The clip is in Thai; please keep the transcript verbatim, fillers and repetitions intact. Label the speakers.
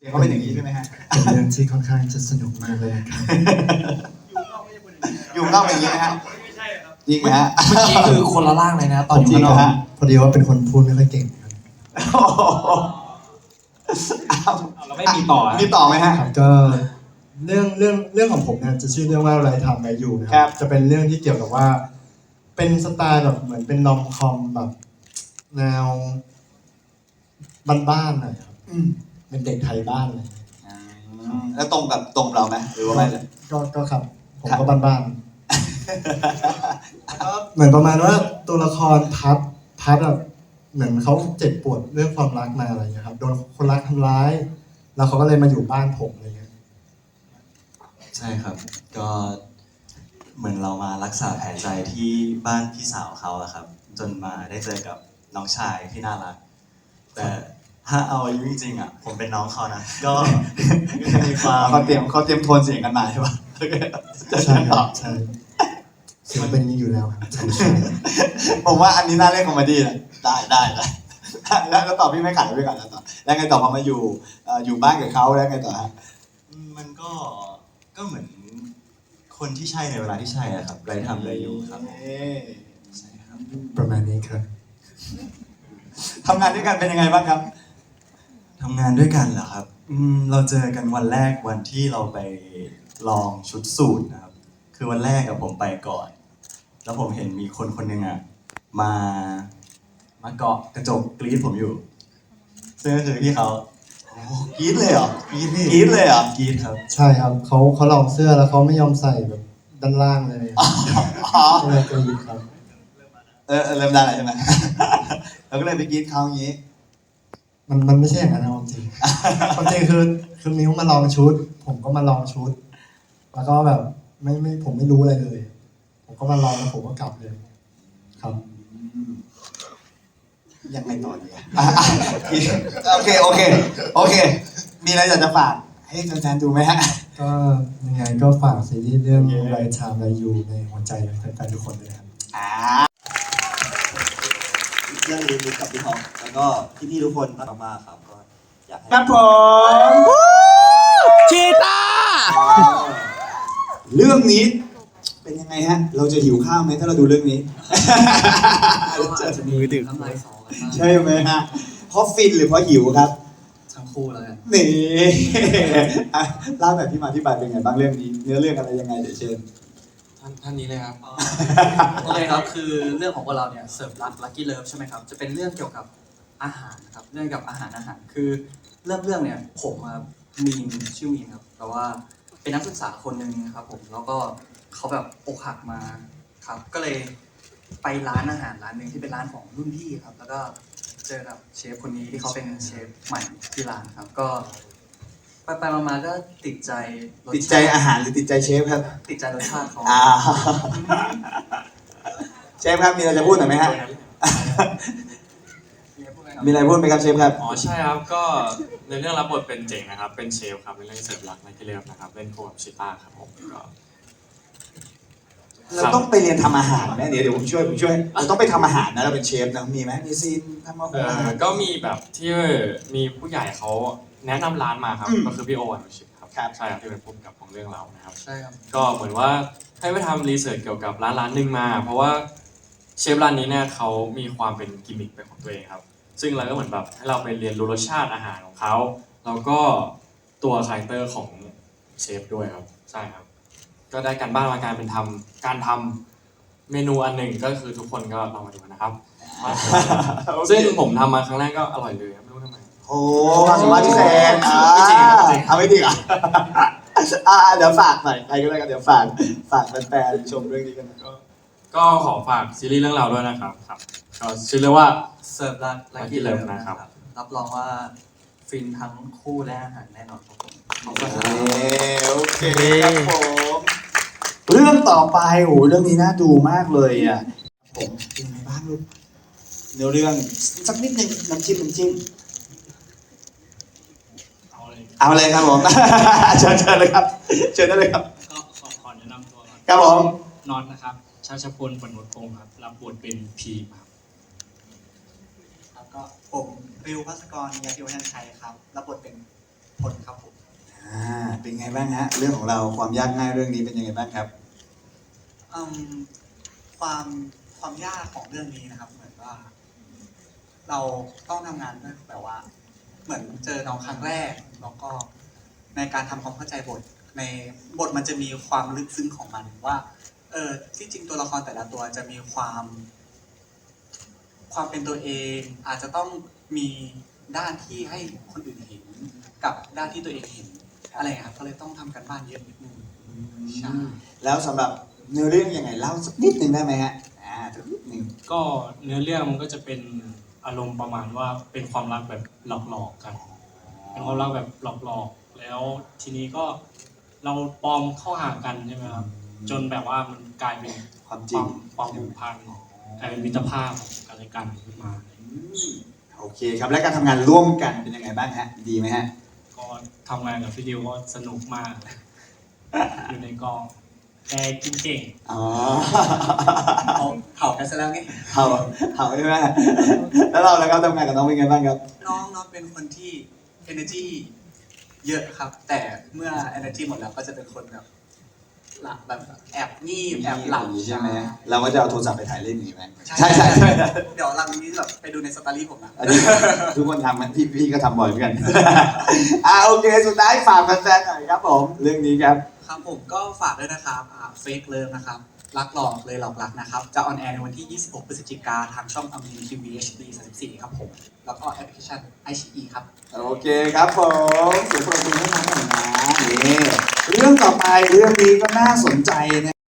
Speaker 1: เขาเป็นอย่างนี้ใช่ไหมฮะ
Speaker 2: เป็นเรื่องที่ค่อนข้างจะสนุกมากเลยครับ
Speaker 1: อยู่นอกเป็นอย่างนี้ไหมฮะจริงไหมฮะ
Speaker 3: เมื่อกี้คือคนละร่างเลยนะตอนอยู่ข้างนอก
Speaker 2: พอดีว่าเป็นคนพูดไม่ค่อยเก่งครับ
Speaker 3: เราไม่มีต่อ
Speaker 1: มีต่อไหมฮะ
Speaker 2: ครับก็เรื่องเรื่องเรื่องของผมเนี่ยจะชื่อเรื่องว่าไรทำไรอยู่นะค
Speaker 1: ครั
Speaker 2: รับ จะเป็นเรื่องที่เกี่ยวกับว่า เป็นสไตล์แบบเหมือนเป็นนอมคอมแบบแนวบ้านๆหน่อยครับเป็นเด็กไทยบ้านเลย
Speaker 1: แล้วตรงกับตรงเราไหมหรือว่าไม่เลย
Speaker 2: ก็ก็ครับ ผมก็บ้านๆเหมือนประมาณว่าตัวละครพัดพัดแบบเหมือนเขาเจ็บปวดเรื่องความรักมาอะไรอย่างเงี้ยครับโดนคนรักทำร้าย แล้วเขาก็เลยมาอยู่บ้านผมอะไรเงี้ย
Speaker 4: ใช่ครับก็เหมือนเรามารักษาแผลใจที่บ้านพี่สาวเขาอะครับจนมาได้เจอกับน้องชายที่น่ารักแต่ถ้าเอาอายุจริงๆอ่ะผมเป็นน้องเขานะก็ก็จะมีความ
Speaker 1: เขาเตรียมเขาเตรียมโทนเสียงกันมาใช่ปะ
Speaker 2: ใช่ครับใช่เสียงเป็นนี้อยู่แล้วครับใช่ใช่
Speaker 1: ผมว่าอันนี้น่าเล่นคอมเมดี้นะได้ได้ได้แล้วก็ตอบพี่ไม่ขัดพี่ก่อนแล้วต่อแล้วไงต่อพอมาอยู่อยู่บ้านกับเขาแล้วไงต่อฮะ
Speaker 4: มันก็ก็เหมือนคนที่ใช่ในเวลาที่ใช่อะครับไรทำไรอยู่ครับใช่ครับ
Speaker 2: ประมาณนี้ครับ
Speaker 1: ทำงานด้วยกันเป็นยังไงบ้างครับ
Speaker 4: ทำงานด้วยกันเหรอครับอืมเราเจอกันวันแรกวันที่เราไปลองชุดสูทนะครับคือวันแรกกับผมไปก่อนแล้วผมเห็นมีคนคนหนึ่งอ่ะมามาเกาะกระจกกรี๊ดผมอยู่ซึ่งก็คือที่เขา
Speaker 1: กรี๊ดเลยเหรอก
Speaker 4: รี๊ด
Speaker 1: กรี๊ดเลยเหรอก
Speaker 4: รี๊ดครับ
Speaker 2: ใช่ครับเขาเขาลองเสื้อแล้วเขาไม่ยอมใส่แบบด้านล่างเลยก็เลยกรี๊ดครับ
Speaker 1: เออเริ่มได้แล้วใช่ไหมเราก็เลยไปกรี๊ดเขาอย่างนี้
Speaker 2: มันมันไม่ใช่อย่างนั้นนะจริงความจริงคือคือมิวมาลองชุด ผมก็มาลองชุด แล้วก็แบบไม่ไม่ผมไม่รู้อะไรเลย ผมก็มาลองแล้วผมก็กลับเลยครับ
Speaker 1: ยังไงต่อดีอ่ะโอเคโอเคโอเคมีอะไรอยากจะฝากให้แฟนๆดูไหมฮะ
Speaker 2: ก็ยังไงก็ฝากซีรีส์เรื่องไรชามไรยูในหัวใจแฟนๆทุกคนเลยครับ
Speaker 1: อ่า
Speaker 4: เรื่องรีวิวกับพี่ท็อปแล้วก็พี่ๆทุกคนมากมากครับก็อยากให้
Speaker 1: ครับผม
Speaker 3: ชีตา
Speaker 1: เรื่องนี้เป็นยังไงฮะเราจะหิวข้าวไหมถ้าเราดูเรื่องนี้
Speaker 3: จะมีดื่มน้ำลายสอกัน
Speaker 1: ใช่ไหมฮะเพราะฟินหรือเพราะหิวครับ
Speaker 3: ทั้งคู่แล้วกัน
Speaker 1: นี่เล่าแบบที่มาที่ไปเป็นไงบ้างเรื่องนี้เนื้อเรื่องอะไรยังไงเดี๋ยวเชิญ
Speaker 3: ท่านท่านนี้เลยครับโอเคครับคือเรื่องของพวกเราเนี่ยเสิร์ฟรักลัคกี้เลิฟใช่ไหมครับจะเป็นเรื่องเกี่ยวกับอาหารครับเรื่องกับอาหารอาหารคือเรื่องเรื่องเนี่ยผมมีนชื่อมีนครับแต่ว่าเป็นนักศึกษาคนหนึ่งครับผมแล้วก็เขาแบบอกหักมาครับก็เลยไปร้านอาหารร้านหนึ่งที่เป็นร้านของรุ่นพี่ครับแล้วก็เจอกับเชฟคนนี้ที่เขาเป็นเชฟใหม่ที่ร้านครับก็ไปไปมาๆก็ติดใจ
Speaker 1: ติดใจอาหารหรือติดใจเชฟครับ
Speaker 3: ติดใจรสชาติเขา
Speaker 1: เชฟครับมีอะไรจะพูดหน่อยไหมฮะมีอะไรพูดไหมครับเชฟครับ
Speaker 5: อ๋อใช่ครับก็ในเรื่องรับบทเป็นเจ๋งนะครับเป็นเชฟครับในเรื่องเสิร์ฟรักในที่เรียบนะครับเล่นคู่กับชิต้าครับผมก็
Speaker 1: เราต้องไปเรียนทำอาหารไหมเดี๋ยวเดี๋ยวผมช่วยผมช่วยเราต้องไปทำอาหารนะเราเป็นเชฟนะมีไหมมีซีนทำอาหาร
Speaker 5: ก็มีแบบที่มีผู้ใหญ่เขาแนะนำร้านมาครับก็คือพี่โอวันชิตครับใช่ครับที่เป็นผู้กำกับของเรื่องเรานะครับ
Speaker 3: ใช่ครับ
Speaker 5: ก็เหมือนว่าให้ไปทำรีเสิร์ชเกี่ยวกับร้านร้านหนึ่งมาเพราะว่าเชฟร้านนี้เนี่ยเขามีความเป็นกิมมิคเป็นของตัวเองครับซึ่งเราก็เหมือนแบบให้เราไปเรียนรู้รสชาติอาหารของเขาแล้วก็ตัวคาแรคเตอร์ของเชฟด้วยครับใช่ครับก็ได้การบ้านมาการเป็นทำการทำเมนูอันหนึ่งก็คือทุกคนก็ลองมาดูนะครับซึ่งผมทำมาครั้งแรกก็อร่อยเลยไม่รู้ทำไม
Speaker 1: โอ้ความสามารถพิเศษเอาไม่จริงอ่ะอ่าเดี๋ยวฝากหน่อยใครก็ได้กันเดี๋ยวฝากฝากแฟนๆชมเรื่องนี้กันก็
Speaker 5: ก็ขอฝากซีรีส์เรื่องเราด้วยนะครับครับก็ชื่อเรื่องว่า
Speaker 3: เสิร์ฟรักลัคกี้เลิฟนะครับรับรองว่าฟินทั้งคู่และอาหารแน่นอนครับผม
Speaker 1: โอเคโอเคครับผมเรื่องต่อไปโอ้เรื่องนี้น่าดูมากเลยอ่ะผมเป็นไงบ้างลูกเนื้อเรื่องสักนิดนึงน้ำจิ้มน้ำจิ้ม
Speaker 5: เอาเลย
Speaker 1: เอาเลยครับผมเชิญเชิญเลยครับเชิญได้เลยครับ
Speaker 5: ก็ขอขอแนะนำตัวก่อน
Speaker 1: ครับผม
Speaker 5: น็อตนะครับชาชพลปนุษพงศ์ครับรับบทเป็นพีครับ
Speaker 6: แล้วก็ผมริวภัสกรยาธิวัฒน์ชัยครับรับบทเป็น
Speaker 3: ทนครับผม
Speaker 1: อ่าเป็นไงบ้างฮะเรื่องของเราความยากง่ายเรื่องนี้เป็นยังไงบ้างครับ
Speaker 6: อืมความความยากของเรื่องนี้นะครับ เหมือนว่า เราต้องทำงานด้วยแบบว่า เหมือนเจอน้องครั้งแรกแล้วก็ในการทำความเข้าใจบท ในบทมันจะมีความลึกซึ้งของมันว่า เออที่จริงตัวละครแต่ละตัวจะมีความ ความเป็นตัวเอง อาจจะต้องมีด้านที่ให้คนอื่นเห็น กับด้านที่ตัวเองเห็นอะไรอย่างเงี้ยครับก็เลยต้องทำกันบ้านเยอะนิดนึงใช่
Speaker 1: แล้วสำหรับเนื้อเรื่องยังไงเล่าสักนิดหนึ่งได้ไหมฮะอ่าสักนิดหนึ่ง
Speaker 7: ก็เนื้อเรื่องมันก็จะเป็นอารมณ์ประมาณว่าเป็นความรักแบบหลอกๆกัน เป็นความรักแบบหลอกๆ แล้วทีนี้ก็เราปลอมเข้าหากันใช่ไหมครับ จนแบบว่ามันกลายเป็น
Speaker 1: ความจ
Speaker 7: ค
Speaker 1: ริ
Speaker 7: วาง มความผูกพันกลายเป็นมิตรภาพอะไรกันขึ้นมา
Speaker 1: อืมโอเคครับและการทำงานร่วมกันเป็นยังไงบ้างฮะดีไหมฮะ
Speaker 7: ก็ทำงานกับพี่ดิวก็สนุกมาก อยู่ในกองแกกินเก่ง
Speaker 1: อ๋อ
Speaker 6: เอาเผากันซะแล้วไง
Speaker 1: เห่าเห่าใช่ไหมแล้วเราแล้วครับทำงานกับน้องเป็นไงบ้างครับ
Speaker 6: น้องน้องเป็นคนที่ energy เยอะครับ แต่เมื่อ energy หมดแล้วก็จะเป็นคนแบบหลับแบบแอบงีบแอบหลับ
Speaker 1: ใช่ไหมเราก็จะเอาโทรศัพท์ไปถ่ายเล่นอย่างนี้ไหม
Speaker 6: ใช่
Speaker 1: ใช่ใช่
Speaker 6: ใช่
Speaker 1: ใช่
Speaker 6: เดี๋ยวหลังนี้แบบไปดูในสตอรี่ผมนะ
Speaker 1: อันนี้ทุกคนทำมันพี่พี่ก็ทำบ่อยเหมือนกัน อ่าโอเค สุดท้ายฝากแฟนๆหน่อยครับผม เรื่องนี้ครับ
Speaker 6: ครับผมก็ฝากด้วยนะครับอ่า Fake Love นะครับ รักหลอกเลยหลอกรักนะครับ จะออนแอร์ในวันที่ ยี่สิบหก พฤศจิกายนทางช่องอมรินทร์ทีวี เอช ดี สามสิบสี่ ครับผม แล้วก็แอปพลิเคชัน ไอ ซี อี ครับ
Speaker 1: โอเคครับผมเสียงปรบมือให้น้องหน่อยนะนี่เรื่องต่อไปเรื่องนี้ก็น่าสนใจนะ